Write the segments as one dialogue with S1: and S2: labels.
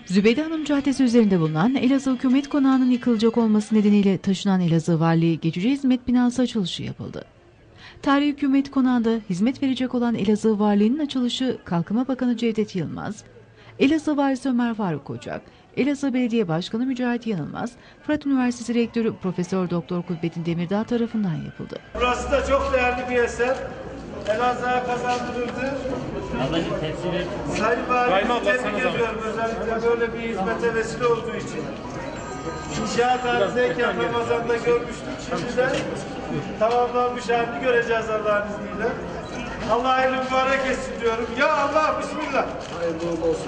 S1: Zübeyde Hanım Caddesi üzerinde bulunan Elazığ Hükümet Konağı'nın yıkılacak olması nedeniyle taşınan Elazığ Valiliği Geçici Hizmet Binası açılışı yapıldı. Tarihi Hükümet Konağı'nda hizmet verecek olan Elazığ Valiliği'nin açılışı Kalkınma Bakanı Cevdet Yılmaz, Elazığ Valisi Ömer Faruk Kocak, Elazığ Belediye Başkanı Mücahit Yanılmaz, Fırat Üniversitesi Rektörü Profesör Doktor Kudbettin Demirdağ tarafından yapıldı.
S2: Burası da çok değerli bir eser. Elazığ'a kazandırıldı. Sayın Valimizi tebrik ediyorum. Özellikle böyle bir hizmete vesile olduğu için. İnşaat halindeyken Ramazan'da görmüştük. Şimdi de tamamlanmış halini göreceğiz Allah'ın izniyle. Allah hayırlı mübarek etsin diyorum. Ya Allah, Bismillah. Hayırlı olsun.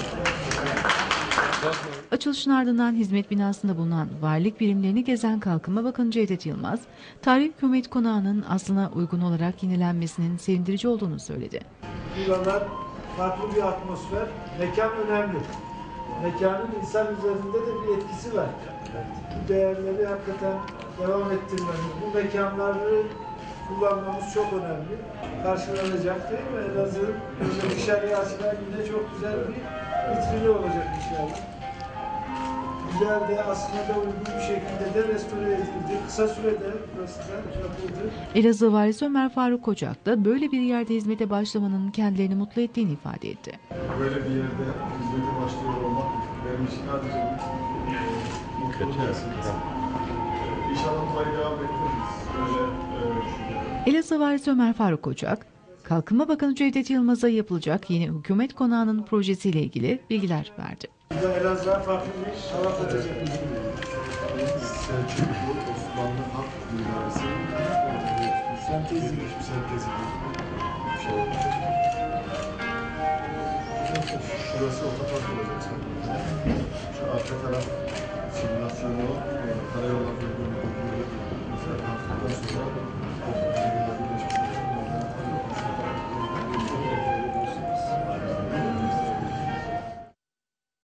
S1: Açılışın ardından hizmet binasında bulunan valilik birimlerini gezen Kalkınma Bakanı Cevdet Yılmaz, Tarihi Hükümet Konağı'nın aslına uygun olarak yenilenmesinin sevindirici olduğunu söyledi.
S2: Buralar farklı bir atmosfer, mekan önemli. Mekanın insan üzerinde de bir etkisi var. Bu değerleri hakikaten devam ettirmemiz, bu mekanları kullanmamız çok önemli. Karşılanacak değil mi? Elazığ'ın dışarıya açılan yine çok güzel bir vitrini olacak inşallah. Güzel de aslında da uygun bir şekilde de restore edildi. Kısa sürede burası da yapıldı.
S1: Elazığ Valisi Ömer Faruk Kocak da böyle bir yerde hizmete başlamanın kendilerini mutlu ettiğini ifade etti.
S3: Böyle bir yerde hizmete başlıyor olmak benim için sadece bir mutluluk vesilesi. İnşallah burayı devam ettiririz.
S1: Elazığ Valisi Ömer Faruk Kocak, Kalkınma Bakanı Cevdet Yılmaz'a yapılacak yeni hükümet konağının projesiyle ilgili bilgiler verdi.
S2: Elazığ'a farklı bir hava katacak.
S3: Selçuklu, Osmanlı halk mimarisi sentezi bir sentezi bir şey olacak. Şurası otopark olacak. Şu arka taraf simülasyonu